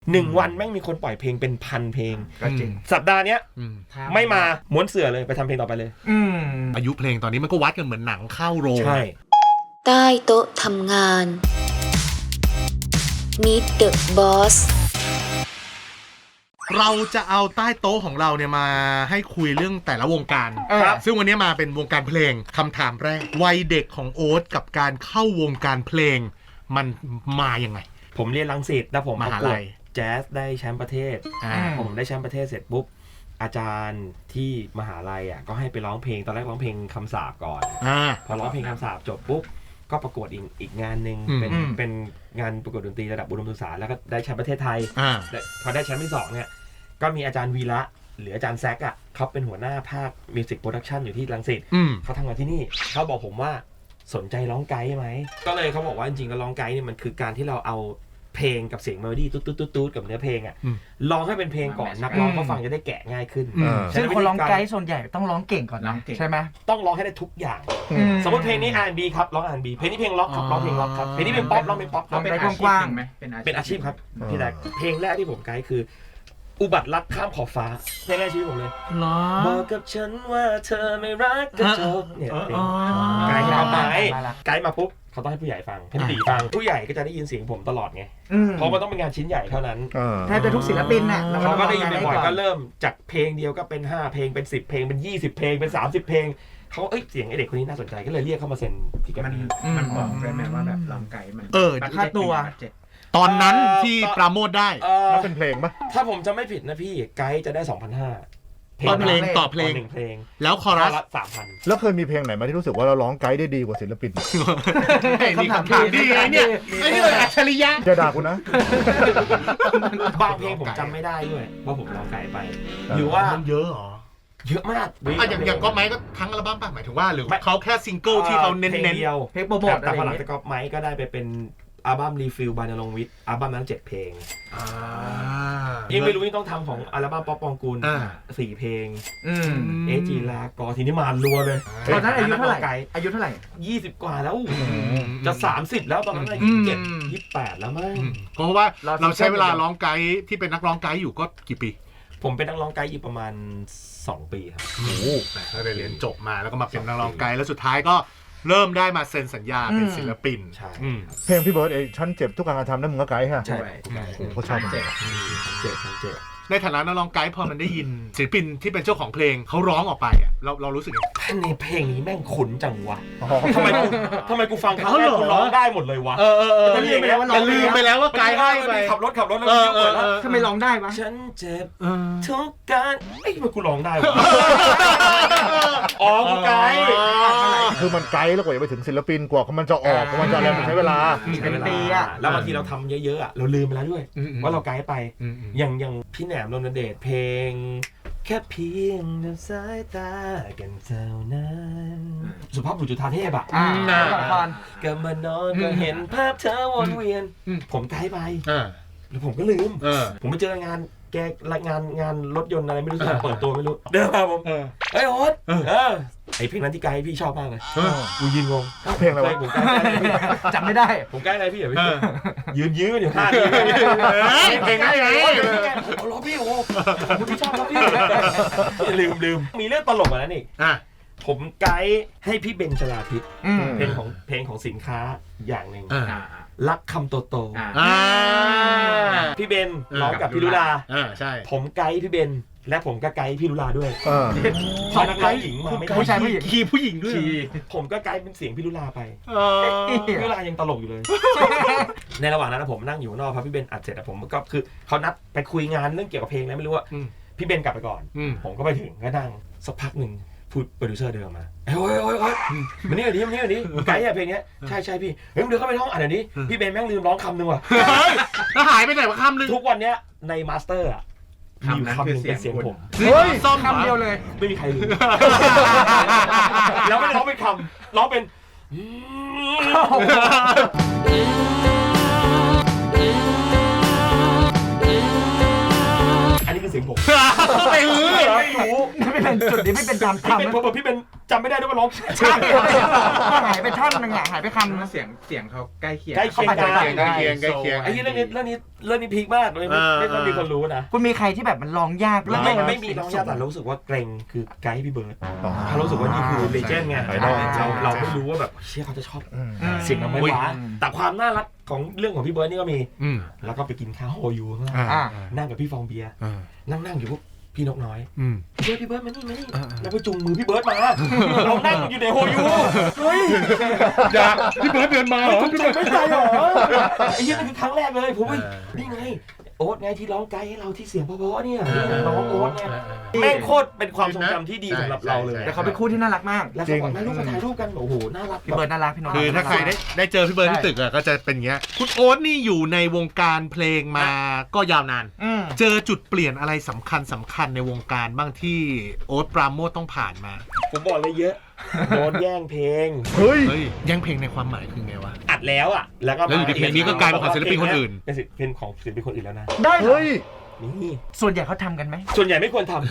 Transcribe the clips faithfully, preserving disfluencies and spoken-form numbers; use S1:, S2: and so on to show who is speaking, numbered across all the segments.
S1: หนึ่งวันแม่งมีคนปล่อยเพลงเป็นพันเพลง
S2: ก็จริง
S1: สัปดาห์เนี้ยไม่มาม้วนเสื่อเลยไปทำเพลงต่อไปเลย
S3: อายุเพลงตอนนี้มันก็วัดกันเหมือนหนังเข้าโรง
S1: ใช่
S4: ใต้โต๊ะทำงาน Meet the Boss
S3: เราจะเอาใต้โต๊ะของเราเนี่ยมาให้คุยเรื่องแต่ละวงการซึ่งวันนี้มาเป็นวงการเพลงคำถามแรกวัยเด็กของโอ๊ตกับการเข้าวงการเพลงมันมาอย่างไง
S1: ผมเรียนรังสิตแล้วผมประกวดแจ๊สได้แชมป์ประเทศผมได้แชมป์ประเทศเสร็จปุ๊บอาจารย์ที่มหาลัยอ่ะก็ให้ไปร้องเพลงตอนแรกร้องเพลงคำสาปก่อนพอร้องเพลงคำสาปจบปุ๊บก็ประกวดอีกอีกงานหนึ่งเป็นเป็นงานประกวดดนตรีระดับอุดมศึกษาแล้วก็ได้แชมป์ประเทศไทยพอได้แชมป์ที่สองเนี่ยก็มีอาจารย์วีระหรืออาจารย์แซกอ่ะเขาเป็นหัวหน้าภาคมิวสิกโปรดักชันอยู่ที่รังสิตเขาทำงานที่นี่เขาบอกผมว่าสนใจร้องไกด์ไหมก็เลยเขาบอกว่าจริงๆแล้วร้องไกด์เนี่ยมันคือการที่เราเอาเพลงกับเสียงเมโลดี้ตุ๊ดตุ๊ดตุ๊ดกับเนื้อเพลงอ่ะร้องให้เป็นเพลงก่อนนักร้องเขาฟังจะได้แกะง่ายขึ้น
S2: ซึ่งคนร้องไกด์ส่วนใหญ่ต้องร้องเก่งก่อนนะใช่ไหม
S1: ต้องร้องให้ได้ทุกอย่างสมมติเพลงนี้ อาร์ แอนด์ บี ครับร้อง อาร์ แอนด์ บี เพลงนี้เพลงล็อกครับร้องเพลงล็อกครับเพลงนี้เพลงป๊อปร้องเพลงป๊อป
S2: ร้องเป็นกว้างๆไหม
S1: เป็นอาชีพครับพี่แดกเพลงแรกที่ผมไกด์คืออุบัติรักข้ามขอบฟ้าเพลงแรกชีวิตผมเลยบอกกับฉันว่าเธอไม่รักก็จบเนี่ยเพลงไกด์มาไหมไกด์มาปุ๊บเขาต้องให้ผู้ใหญ่ฟังให้ผู้ใหญ่ฟังผู้ใหญ่ก็จะได้ยินเสียงผมตลอดไงเพราะมันต้องเป็นงานชิ้นใหญ่เท่านั้น
S2: แทบจะทุกศิลปินน่ะ
S1: เขาก็ได้ยินบ่อยๆก็เริ่มจากเพลงเดียวก็เป็นห้าเพลงเป็นสิบเพลงเป็นยี่สิบเพลงเป็นสามสิบเพลงเขาเอ้ยเสียงไอเด็กคนนี้น่าสนใจก็เลยเรียกเข้ามาเซ็นที่แกรมมี่
S2: มันบอกได้ไหมว่าแบบร้องไกด์มัน
S3: เออ
S2: ค่าตัว
S3: ตอนนั้นที่ปราโมทได้
S5: แล้วเป็นเพลงปะ
S1: ถ้าผมจะไม่ผิดนะพี่ไกด์จะได้ สองพันห้าร้อย
S3: ต่อเพลงต่อเพลง
S1: หนึ่งเพลง
S3: แล้วคอรัส
S1: สามพัน
S5: แล้วเคยมีเพลงไหนมาที่รู้สึกว่าเราร้องไกด์ได้ดีกว่าศิลปิน
S3: นี่คำถามดีไงเนี่ยไอ้นี่เลยอัจฉริยะ
S5: จะด่ากูนะ
S1: บางเพลงผมจำไม่ได้ด้วยว่าผมร้องไกด์ไปหรือว่า
S3: มันเยอะหรอ
S1: เยอะมาก
S3: อ่ะอย่างอย่างก็ไม้ก็ทั้งอัลบั้มป่ะหมายถึงว่าหรือเขาแค่ซิงเกิลที่เขาเน้น
S1: ๆเดียว
S2: เพลงโปรโมท
S1: แต่พอหลังจากก็ไม้ก็ได้ไปเป็นอัลบั้มรีฟิลบายนรงค์วิทย์อัลบั้มนั้นเจ็ดเพลงยังไม่รู้นี่ต้องทำของอัลบั้มป๊อปปองกูลสี่เพลงเอจีลากอทีนี้มารัวเลย
S2: ตอนนั้นอายุเท่าไหร่อายุเท่าไหร่
S1: ยี่สิบกว่าแล้วจะสามสิบแล้วตอนนั้นยี่สิบเจ็ดยี่สิบแปดแล้วมั้ง
S3: เพราะว่าเราใช้เวลาร้องไกด์ที่เป็นนักร้องไกด์อยู่ก็กี่ปี
S1: ผมเป็นนักร้องไกด์อยู่ประมาณสองปีครับ
S3: โอ้โหแต่ได้เรียนจบมาแล้วก็มาเป็นนักร้องไกด์แล้วสุดท้ายก็เริ่มได้มาเซ็นสัญญาเป็นศิลปิน
S1: ใช่
S5: เพลงพี่เบิร์ดเอฉันเจ็บทุกการกระทำนั่นมึงก็ไกด์ฮะ
S1: ใช่
S5: เขาชอบ
S1: เจ็บเจ็บเจ็บ
S3: ในฐานะนักร้องไกด์พอมันได้ยินศิลปินที่เป็นเจ้าของเพลงเขาร้องออกไปอ่ะเราเรารู้สึกยังไง
S1: ในเพลงนี้แม่งขุนจังวะทำไมกูทำไมกูฟังเขาแม่กูร้องได้หมดเลยวะ
S3: เออเออเออลืมไปแล้วว่าลืมไปแล้วว่าไกด์ให้ไป
S1: ขับรถขับรถแล้วเปิดแล้ว
S2: ทำไมร้องได้วะ
S1: ฉันเจ็บทุกการไอ้ทำไมกูร้องได้วะอ๋อกูไกด์
S5: คือมันไกด์แล้วกว่าจะไปถึงศิลปินกว่ามันจะออกมันจะอะไรมันใช้เวลา
S1: เป็นปีอะแล้วบางทีเราทำเยอะๆอะเราลืมไปแล้วด้วยว่าเราไกด์ไปอย่างอย่างพี่แหนมนนท์เดชเพลงแค่เพียงเดินสายตากันเท่านั้นสุภาพบุรุษจุฑาเทพอ่ะก็มานอนก็เห็นภาพเธอวนเวียนผมไกด์ไปแล้วผมก็ลืมผมไปเจองานแกงานงานรถยนต์อะไรไม่รู้สึกเปิดตัวไม่รู้เดินมาผมเฮ้ยโอ๊ตไอเพลงนั้นที่ไกด์พี่ชอบมากเลยกูยืนงง
S5: เพลงอะไร
S1: ผมไกด์
S2: จำไม่ได้
S1: ผมไกด์อะไรพี่เหรอพี่ยืนยืนอยู่ท่านี้
S3: เพลงอะไร
S1: เอาล้อพี่โอ้ผมพี่ชอบล้อพี่ลืมลืมมีเรื่องตลกกว่านั้นอีกผมไกด์ให้พี่เบนชลาทิศเพลงของเพลงของสินค้าอย่างหนึ่งรักคำโตโตพี่เบนร้องกับพี่ลุลาผมไกด์พี่เบนและผมก็ไกด์พี่ลุลาด้วยพอนักร้องหญิงมาไม่
S2: ผู้ชายผู้หญิง
S3: คีย์ผู้หญิงด้วย
S1: ผมก็ไกด์เป็นเสียงพี่ลุลาไปพี่ลุลายังตลกอยู่เลยในระหว่างนั้นผมนั่งอยู่นอกพอพี่เบนอัดเสร็จผมก็คือเขานัดไปคุยงานเรื่องเกี่ยวกับเพลงแล้วไม่รู้ว่าพี่เบนกลับไปก่อนผมก็ไปถึงก็นั่งสักพักหนึ่งพูดโปรดิวเซอร์เดินมาโอ้ยโอ้ยโอ้ยมันนี่อันนี้มันนี่อันนี้ไกด์อะเพลงนี้ใช่ใช่พี่เฮ้ยมึงเดินเข้าไปห้องอ่านอันนี้พี่เบนแม่งลืมร้องคำนึงว่ะ
S3: แล้วหายไปไหนวะคำนึง
S1: ทุกวันเนี้ยในมาสเตอร์อะมีอยู่คำนึงเป็นเสียงผม
S2: เฮ้ยซ้อมคำเดียวเลย
S1: ไม่มีใครลืมแล้วไม่ร้องเป็นคำร้องเป็นอันนี้คือเสียงผม
S3: ไปหื้อ
S1: รู้
S2: ไม่เป็นจุดนี้ไม่เป็นตาม
S1: พี่
S2: คำ
S1: เป็นผมบอกพี่เป็นจำไม่ได้ด้วยว่าร้อง
S2: ใช่หายไปท่อนหนึงอ่ะหายไปคำนึง
S6: เสียงเสียงเขาใกล้เคียง
S1: ใกล้เคียงกัน
S3: ใกล้เคียงใกล้เคียง
S1: ไอ้เรื่องนี้เรื่องนี้เรื่องนี้พีคมากเลยไม่ไม่ต้องมีคนรู้นะ
S2: คุณมีใครที่แบบมันร้องยาก
S1: ไม่ไม่ไม่มีน้องยาแต่รู้สึกว่าเกรงคือไกด์พี่เบิร์ดเขารู้สึกว่านี่คือเลเจนด์ไง
S5: ไอดอล
S1: เราเราไม่รู้ว่าแบบเชี่ยเขาจะชอบ
S5: อืม
S1: เสียงเราไม่หวานแต่ความน่ารักของเรื่องของพี่เบิร์ดนี่ก็มี
S3: อืม
S1: แล้วก็ไปกินข้าวโฮยูข้างล่าง
S3: อ่า
S1: นั่งกับพี่ฟองเบียร์
S3: อ่า
S1: นั่งนั่งอยู่พวกพี่นกน้อย
S3: อืม
S1: พี่เบิร์ดพี่เบิร์ดมานี่มานี่
S3: อ่า
S1: แล้วไปจุงมือพี่เบิร์ดมาเรานั่งอยู่ในโฮยูเฮ้ย
S3: อย่าพี่เบิร์ดเดินมาเหรอ
S1: คุณใจไม่ใจเหรอไอ้ยี่นั่นคือครั้งแรกเลยผมว่านี่ไงโอ๊ตไงที่ร้องไกด์ให้เราที่เสียงเพราะๆเนี่ยร้องโอ๊ตไงแม่งโคตรเป็นความทรงจำที่ดีสำหรับเราเลย
S2: แต่เขาเป็นคู่ที่น่ารักมาก
S1: แล้วเขาบอกแม่ลูกมาถ่ายรูปกันโอ้โหน่ารัก
S2: พี่เบิร์ดน่ารักพี่น้อง
S3: คือถ้าใครได้ได้เจอพี่เบิร์ดที่ตึกอะก็จะเป็นอย่างเงี้ยคุณโอ๊ตนี่อยู่ในวงการเพลงมาก็ยาวนาน
S2: อืม
S3: เจอจุดเปลี่ยนอะไรสำคัญสำคัญในวงการบ้างที่โอ๊ตปราโมทต้องผ่านมา
S1: ผมบอกเลยเยอะโดนแย่งเพลง
S5: เฮ้ย
S3: เฮ้ยแย่งเพลงในความหมายคือไงวะ
S1: อัดแล้วอ่ะแล้วก็
S3: แล้วอยู่ดีเพลงนี้ก็กลายเป็นของศิลปินคนอื่น
S1: เป็นศิลปินของศิลปินคนอื่นแล้วนะ
S2: ได้เหรอ
S5: เฮ้ย
S1: นี่
S2: ส่วนใหญ่เขาทำกันไหม
S1: ส่วนใหญ่ไม่ควรทำ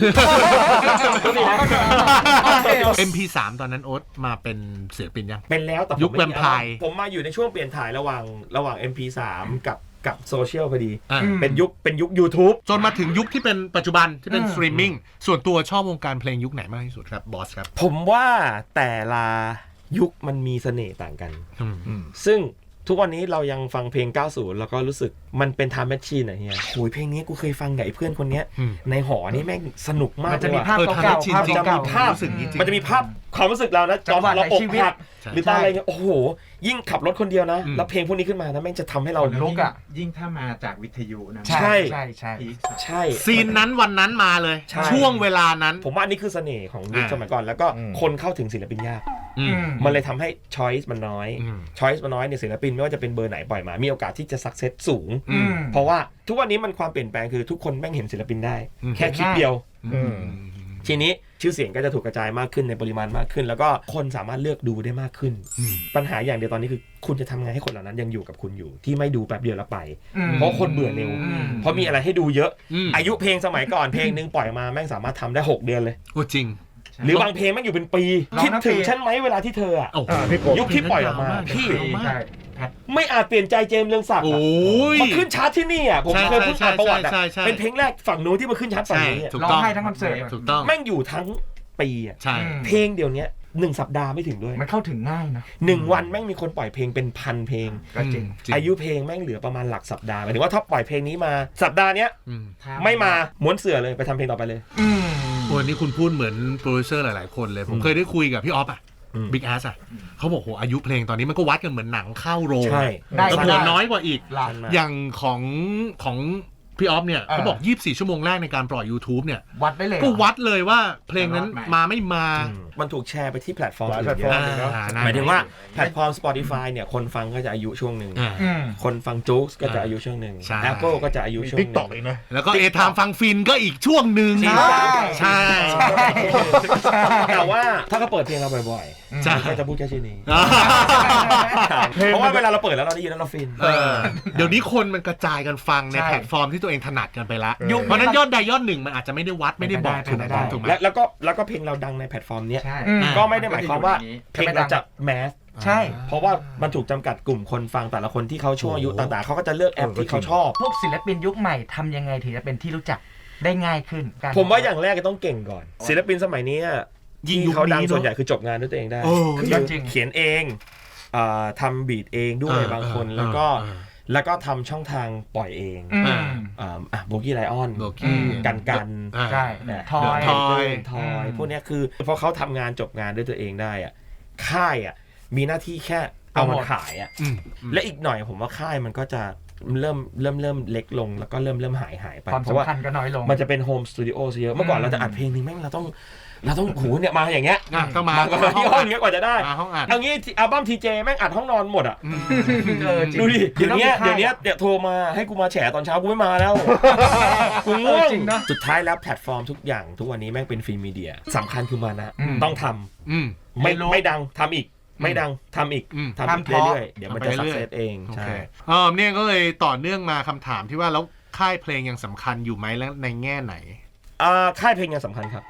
S3: เอ็ม พี สาม ตอนนั้นโอ๊ตมาเป็นศิลปินยัง
S1: เป็นแล้วแต่ผม
S3: ยุค
S1: ไม่
S3: แวมไพร์
S1: ผมมาอยู่ในช่วงเปลี่ยนถ่ายระหว่างระหว่าง เอ็ม พี สาม กับกับโซเชียลพอดี
S3: อ่ะ
S2: อืม
S1: เป็นยุคเป็นยุค YouTube
S3: จนมาถึงยุคที่เป็นปัจจุบันที่เป็น
S2: อืม
S3: สตรีมมิ่งส่วนตัวชอบวงการเพลงยุคไหนมากที่สุดครับบอสครับ
S1: ผมว่าแต่ละยุคมันมีเสน่ห์ต่างกัน
S3: อืม
S1: ซึ่งทุกวันนี้เรายังฟังเพลง เก้าสิบ แล้วก็รู้สึกมันเป็น time machine อะเฮียโหยเพลงนี้กูเคยฟังกับไอ้เพื่อนคนเนี้ย
S3: อืม
S1: ในหอนี่แม่งสนุกมาก
S2: มันจะ
S1: เลย
S2: มี
S1: ว่ะ
S2: ภาพ
S3: เออ
S2: เก่า
S3: ทำให้ชิน
S2: ๆภาพ
S3: จริง
S2: เก่า
S1: มีภาพ
S3: รู้สึกอย่างนี้จริง
S1: มันจะมีภาพความรู้สึกเรานะ
S2: จังหวะ
S1: เราอก
S2: ในชีวิต
S1: หัก
S3: ใช่
S1: หรือตอนอะไรเงี้ยโอ้โห ยิ่งขับรถคนเดียวนะ
S3: อืม
S1: แล้วเพลงพวกนี้ขึ้นมานะแม่งจะทำให้เรา
S2: ลุกอะ
S6: ยิ่งถ้ามาจากวิทยุนะ
S2: ๆใช่ใช่ใช่
S6: พีค
S1: ใช่
S3: ซีนนั้นวันนั้นมาเลย
S1: ใช่
S3: ช่วงเวลานั้น
S1: ผมว่าอันนี้คือเสน่ห์ของยุค
S3: อ่า
S1: สมัยก่อนแล้วก็
S5: อืม
S1: คนเข้าถึงศิลปินยาก
S3: อืม
S1: มันเลยทำให้ choice มันน้อย
S3: อืม
S1: choice มันน้อยเนี่ยศิลปินไม่ว่าจะเป็นเบอร์ไหนปล่อยมา มีโอกาสที่จะ success สูง
S3: อืม
S1: เพราะว่าทุกวันนี้มันความเปลี่ยนแปลงคือทุกคนแม่งเห็นศิลปินได้
S3: อืม
S1: แค่คลิปเดียว
S5: อืม
S1: ทีนี้ชื่อเสียงก็จะถูกกระจายมากขึ้นในปริมาณมากขึ้น แล้วก็คนสามารถเลือกดูได้มากขึ้น
S3: อืม
S1: ปัญหาอย่างเดียวตอนนี้คือคุณจะทำไงให้คนเหล่านั้นยังอยู่กับคุณอยู่ ที่ไม่ดูแป๊บเดียวแล้วไป
S2: อืม
S1: เพราะคนเบื่อเร็ว
S2: อืม
S1: เพราะมีอะไรให้ดูเยอะ
S3: อืม
S1: อายุเพลงสมัยก่อนเพลงหนึงปล่อยมาแม่งสามารถทำได้หกเดือนเลย
S3: โอ้จริง
S1: หรือบางเพลงแม่งอยู่เป็นปี
S2: ร้อง
S1: คิด
S2: ทั้ง
S1: ถึง
S2: ปี
S1: ฉันไหมเวลาที่เธออะ
S3: โอ้โห
S5: อ่าพี่กบ
S1: ยุคที่ปล่อยออกมาพี่
S2: ใช่
S1: ไม่อาจเปลี่ยนใจเจมส์เรืองศักดิ์
S3: โอ้
S1: อะ
S3: ย
S1: มาขึ้นชาร์ตที่นี่อ่ะผม
S3: ใช่
S1: เคยพูดอ่านประวัติอ่ะ
S3: ใช่ใช่ใช่
S1: เป็นเพลงแรกฝั่งนู้นที่มาขึ้นชาร์ตฝั่ง
S3: ใช่
S1: นี้อะ
S3: ถูก
S2: ร้อง
S3: ต้อง
S2: ไห้ทั้งคอนเสิร์ต
S3: ถูกต้อง
S1: แม่งอยู่ทั้งปีอ่ะ
S3: ใช่
S2: อืม
S1: เพลงเดี๋ยวนี้หนึ่งสัปดาห์ไม่ถึงด้วย
S2: มันเข้าถึงง่ายนะ
S1: หนึ่งวันแม่งมีคนปล่อยเพลงเป็นพันเพลง
S2: ก็จริง
S1: อายุเพลงแม่งเหลือประมาณหลักสัปดาห์หมายถึงว่าถ้าปล่อยเพลงนี้มาสัปดาห์เนี้ย
S3: อืม
S1: ไม่มาม้วนเสือเลยไปทำเพลงต่อไปเลย
S2: อืม
S3: โอ้ยนี่คุณพูดเหมือนโปรดิวเซอร์หลาย ๆ คนเลย ผม
S1: อืม
S3: เคยได้คุยกับพี่ออฟอ่ะ
S1: อืม
S3: บิ๊กแอสอ่ะเขาบอกโหอายุเพลงตอนนี้มันก็วัดกันเหมือนหนังเข้าโรง
S1: ใช่
S2: ได้
S3: แล้ว
S2: มา
S3: เผื่อ
S2: ได้
S3: น้อยกว่าอีก
S2: หลัก
S3: อย่างของของพี่ออฟเนี่ย
S2: เออ
S3: เขาบอกยี่สิบสี่ชั่วโมงแรกในการปล่อย YouTube เนี่ย
S2: วัดได้เลยเหร
S3: ก็
S2: อ
S3: วัดเลยว่าเพลงนั้นมาไม่มา
S1: อืมมันถูกแชร์ไปที่แพลตฟอร์ม
S5: หลาย
S1: อื่น
S5: แพลตฟอร์ม
S1: เยอะ
S3: อ่า
S1: หมายถึงว่าแพลตฟอร์ม Spotify เนี่ยคนฟังก็จะอายุช่วงหนึ่ง
S3: อ่า
S2: อืม
S1: คนฟังจู๊กก็จะอายุช่วงหนึ่ง
S3: ใช่
S1: Apple ก็จะอายุช่วงห
S5: ติ๊ก
S1: นึ่ง
S5: ต็อกอีกนะ
S3: แล้วก็เอทามฟังฟินก็อีกช่วงหนึ่ง
S2: ใช่
S3: ใช่
S1: แต่ว่าถ้าเขาเปิดเพลงเราบ่อย
S3: ใช่
S1: ๆก็จะพูดแค่ชื่อนี้
S3: อ่า
S1: เพราะว่าเวลาเราเปิดแล้วเราได้ยินแล้วเราฟิน
S3: เออเดี๋ยวนี้คนมันกระจายกันฟังใน
S2: ใช่
S3: แพลตฟอร์มที่ตัวเองถนัดกันไปละ
S5: ยุค
S3: เพราะฉะนั้นยอดใดยอดหนึ่งมันอาจจะไม่ได้วัดไม่ได้บอก
S2: เป็น
S3: ถูก
S2: ไป
S3: ไหม
S2: ได้
S3: ถูกไหม
S1: และแล้วก็แล้วก็เพลงเราดังในแพลตฟอร์มเนี้ย
S6: ใช่
S2: อืม
S1: ก็ไม่ได้หมายความว่าเพลงเราจะแมส
S2: ใช่
S1: เพราะว่ามันถูกจำกัดกลุ่มคนฟังแต่ละคนที่เขาช่วงอายุต่างๆเขาก็จะเลือกแอปที่เขาชอบ
S2: พวกศิลปินยุคใหม่ทำยังไงถึงจะเป็นที่รู้จักได้ง่ายขึ้นการ
S1: ผมว่าอย่างแรกก็ต้องเก่งก่อน ศิลปินสมัยนี้อะ
S3: ยิ่ง
S1: ที่
S3: ยุค
S1: เขาดัง
S3: นี้
S1: ส่วนใหญ่
S3: เนอะ
S1: คือจบงานด้วยตัวเองได้
S3: โอ้
S1: คือ
S2: จริง
S1: เขียนเองอ่าทำบีทเองด้วยบางคนแล้วก็
S3: เออ
S1: แล้วก็ทำช่องทางปล่อยเอง
S2: อืม
S1: อ่าอ่ะโบกี้ไลออน
S3: โบกี้
S1: กันกัน
S3: อ่า
S2: ใช่
S1: เนี่ย
S2: ทอย
S3: ทอย
S1: ทอย
S2: อืม
S1: พวกเนี้ยคือพอเขาทำงานจบงานด้วยตัวเองได้อ่ะค่ายอ่ะมีหน้าที่แค่เอามันขายอ่ะ
S3: อืม
S1: และอีกหน่อยผมว่าค่ายมันก็จะเริ่มเริ่มเริ่มเล็กลงแล้วก็เริ่มเริ่มหายหายไป
S2: ความ
S1: เพราะว่า
S2: สำคัญก็น้อยลง
S1: มันจะเป็นโฮมสตูดิโอซะเยอะเมื่อก่อนเราจะอัดเพลงนึงแม่งเราต้องเราต้องโหเนี่ยมาอย่างเงี้ย
S3: อ่ะต้องมา
S1: มาก่อนที่ห้องเงี้ยกว่าจะได้
S3: มาห้องอัด
S1: เอางี้อัลบั้มทีเจแม่งอัดห้องนอนหมดอ่ะ
S3: อืม
S2: เออจริง
S1: ดูดิเดี๋ยวเนี้ย
S2: มันต้องมี
S1: เดี๋ยวเนี้ย
S2: ค่าย
S1: เดี๋ยวโทรมาให้กูมาแฉตอนเช้ากูไม่มาแล้วกูง่ว
S2: เออง จริงนะ
S1: สุดท้ายแล้วแพลตฟอร์มทุกอย่างทุกวันนี้แม่งเป็นฟรีมีเดียสำคัญคือมานะ
S2: อืม
S1: ต้องทำ
S3: อืม
S1: ไม่
S2: ไม่รู้
S1: ไม่ดังทำอีก ไม่ดังทำอีก
S3: อืม
S1: ทำอีก
S2: ทำเพราะ
S1: เรื่อยๆเดี๋ยวมันจะ
S3: ทำ
S1: สั
S3: ไป
S1: ก
S3: เรื่อย
S1: เซสเอง
S3: โอ
S1: ใช่
S3: เคเออเนี่ยก็เลยต่อเนื่องมาคำถามที่ว่าแล้วค่ายเพลงยังสำคัญอยู่ไหมและในแง่ไหน
S1: อ่าค่ายเพลงยังสำคัญครับ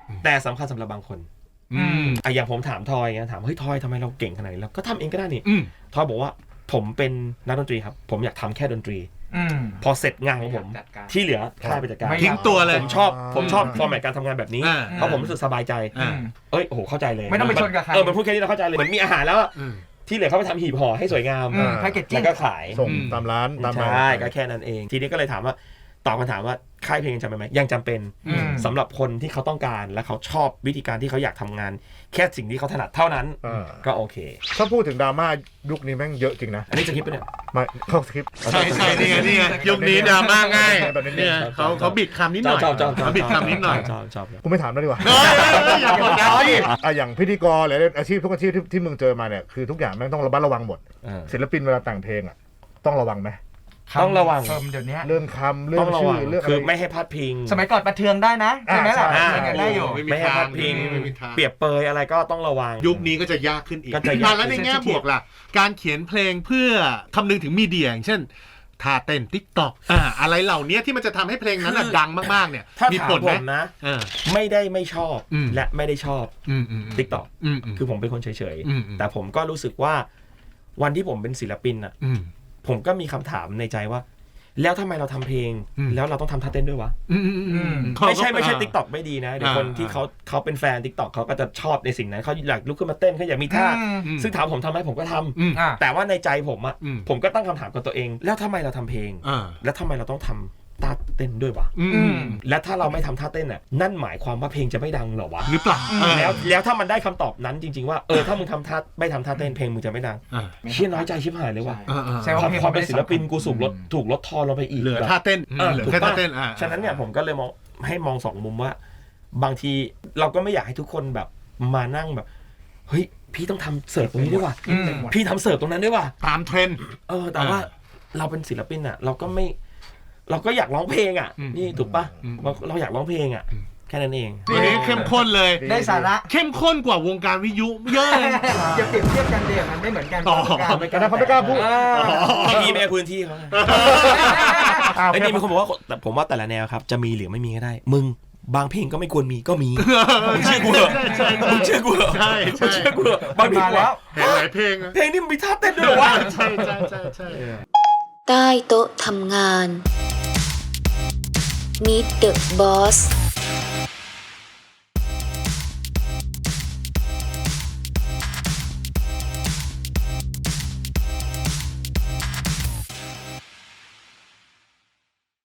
S1: แต่สำคัญสำหรับบางคน
S3: อืม
S1: อ่ะอย่างผมถามทอยไงถามเฮ้ยทอยทำไมเราเก่งขนาดนี้แล้วก็ทำเองก็ได้นี่
S3: อืม
S1: ทอยบอกว่าผมเป็นนักดนตรีครับผมอยากทำแค่ดนตรี
S2: อืม
S1: พอเสร็จงานของผม
S6: จัดการ
S1: ที่เหลือค่ายไปจัดการ
S2: ไม่
S3: ทิ้งตัวเลย
S1: ผมชอบผมชอบฟอร์แมตการทำงานแบบนี้
S3: อ่า
S1: เพราะผมรู้สึกสบายใจ
S3: อ่า
S1: เอ้ยโอ้โหเข้าใจเลย
S2: ไม่ต้องไปชนกับใคร
S1: เออมันพูดแค่นี้เราเข้าใจเลยเหมือนมีอาหารแล้วอะ
S3: อืม
S1: ที่เหลือเขาไปทำหีบห่อให้สวยงาม
S2: อืมแพ็กเกจจิ้
S1: แล้
S2: ง
S1: วก็ขาย
S5: ส่ง
S3: อืม
S5: ตามร้านตาม
S1: ใช่ก็แค่นั้นเอง ทีนี้ก็เลยถามว่าตอบคำถามว่าค่ายเพลงยังจำเป็นไหมยังจำเป็น
S2: อืม
S1: สำหรับคนที่เขาต้องการและเขาชอบวิธีการที่เขาอยากทำงาน แค่สิ่งที่เขาถนัดเท่านั้น
S5: เออ
S1: ก็โอเค
S5: ถ้าพูดถึงดราม่ายุคนี้แม่งเยอะจริงนะ
S1: อันนี้จะคิดไปะเนี่ย
S5: ไม่เข้าสคริปต์
S3: ใช่ใช่นี่ไงนี่ไงยุคนี้ดราม่าง่าย
S5: แบบนี้
S3: เนี่ยเขาเขาบิดคำนิดหน่อย
S1: ชอบชอบชอบ
S3: เขาบิดคำนิดหน่อย
S1: ชอบชอบชอบ
S5: กูไม่ถามแล้วดีกว่า
S3: เฮ้ยอย่าบอกนะพี่
S5: อ่ะอย่างพิธีกรหรืออาชีพทุกอาชีพที่ที่มึงเจอมาเนี่ยคือทุกอย่างแม่งต้องระมัดระวังหมด
S1: เออ
S5: ศิลปินเวลาแต่งเพลงอ่ะต้องระวังไหม
S1: ต้องระวัง
S2: เฟิร์มเดี๋ยวนี้
S5: เรื่องคำเรื่อ
S1: ต้อง งระ
S5: ชื่
S1: วั
S5: อง เรื่องอะ
S1: คือ
S5: ไร
S1: ไม่ให้พลาดพิง
S2: สมัยก่อนประเทืองได้นะใช่ไหมล่ะ
S5: อ่า
S2: ใช้กันได้อยู่
S3: ไม่มี
S1: ไม่ให้พลาดพิง
S3: ไม่มีทาง
S1: เปรียบเปยอะไรก็ต้องระวัง
S3: ยุคนี้ก็จะยากขึ้นอีก
S1: ก็จะยาก
S3: อ่ะแล้วในแง่บวกล่ะ การเขียนเพลงเพื่อคำนึงถึงมีเดียอย่างเช่นท่าเต้นติ๊กต็อกอ่าอะไรเหล่านี้ที่มันจะทำให้เพลงนั้นน่ะดังมากๆเนี่ย
S1: ถ้า
S3: มี
S1: ถาม
S3: ผล
S1: ผ
S3: ไหม
S1: มนะ
S3: เออ
S1: ไม่ได้ไม่ชอบ
S3: อืม
S1: และไม่ได้ชอบ
S3: อืมอืม
S1: ติ๊กต็อก
S3: อืมอืม
S1: คือผมเป็นคนเฉย
S3: อืมอืม
S1: ๆแต่ผมก็รู้สึกว่าวันที่ผมเป็นศิลปินอ่ะ
S3: อืม
S1: ผมก็มีคำถามในใจว่า แล้วทำไมเราทำเพลง
S3: อืม
S1: แล้วเราต้องทำท่าเต้นด้วยวะ
S3: อืมอืมอืม
S1: ไม่ใช่ไม่ใช่ติ๊กต็อกไม่ดีนะเดี๋ยวคน
S3: อ่า
S1: ที่เขาเขาเป็นแฟนติ๊กต็อกเขาก็จะชอบในสิ่งนั้นเขาอยากลุกขึ้นมาเต้นเขาอยากมีท่า
S3: อืม
S1: ซึ่งถามผมทำไหมผมก็ทำ
S3: อืม
S2: อ่า
S1: แต่ว่าในใจผมอะ
S3: อืม
S1: ผมก็ตั้งคำถามกับตัวเอง แล้วทำไมเราทำเพลง
S3: อ่า
S1: แล้วทำไมเราต้องทำท่าเต้นด้วยวะ
S3: อืม
S2: อืม
S1: และถ้าเราไม่ทำท่าเต้นอะนั่นหมายความว่าเพลงจะไม่ดังเหรอวะ
S3: หรือเปล่าเออ
S1: แล้วแล้วถ้ามันได้คำตอบนั้นจริง ๆว่าเออถ้ามึงทำท่าไม่ทำท่าเต้นเพลงมึงจะไม่ดัง
S3: อ่า
S1: เชี่ยน้อยใจชิบหายเลยว่ะ
S3: อ่าอ่า
S2: ใช่ว่า
S1: ความ
S2: เพลง
S1: ความเป็น
S2: ไม่ได้
S1: ศิลปิน
S2: สำคัญ
S1: กูสูกลดถูกลดทอนลงไปอีก
S3: เหลือ
S1: แบบ
S3: ท่าเต้น
S1: เออ
S3: เหลือ
S1: ถูก
S3: แค่
S1: ปะ
S3: ท่าเต้นอ่า
S1: ฉะนั้นเนี่ยผมก็เลยมองให้มองสองมุมว่า บางทีเราก็ไม่อยากให้ทุกคนแบบมานั่งแบบเฮ้ยพี่ต้องทำเสิร์ฟตรงนี้ด้วยว่ะ
S2: อืม
S1: พี่ทำเสิร์ฟตรงนั้นด้วยว่ะ
S3: ตามเทรนด์
S1: เออแต่ว่า
S3: อ่า
S1: เราเป็นศิลปินอ่ะ เราก็ไม่ เราก็อยากร้องเพลงอ่ะ
S3: อืม
S1: นี่ถูกปะ
S3: อืม
S1: เราเราอยากร้องเพลงอ่ะ
S3: อืม
S1: แค่นั้นเอง
S3: วันนี้เข้มข้นเลย
S2: ได้สาระ
S3: เข้มข้นกว่าวงการวิทยุเยอะเลย
S2: อย่าเปรียบเทียบกันเดียวมันไม่เหมือนกัน
S3: อ๋อ
S2: ไม่
S5: แต่เขาไม่กล้าพูด
S1: พี่ไม่ให้พื้นที่เขาไง
S5: อ้าว
S1: ไอ้นี่มีคนบอกว่าแต่ผมว่าแต่ละแนวครับจะมีหรือไม่มีก็ได้ มึงบางเพลงก็ไม่ควรมีก็มีมึงเชื่อกูเหรอ
S3: ใช่ใช่ใช่
S1: มึงเชื่อกูเหรอ
S3: ใช่ใช่
S1: มึงเชื่อกูเหรอบางเพลง
S2: มาแล้ว
S3: เห็นหลายเพลงอะ
S1: เพลงนี่มันมีท่าเต้นด้วยเหรอวะ
S3: ใช่ใช่ใช่ใช่
S4: ใต้โต๊ะทำงาน Meet the Boss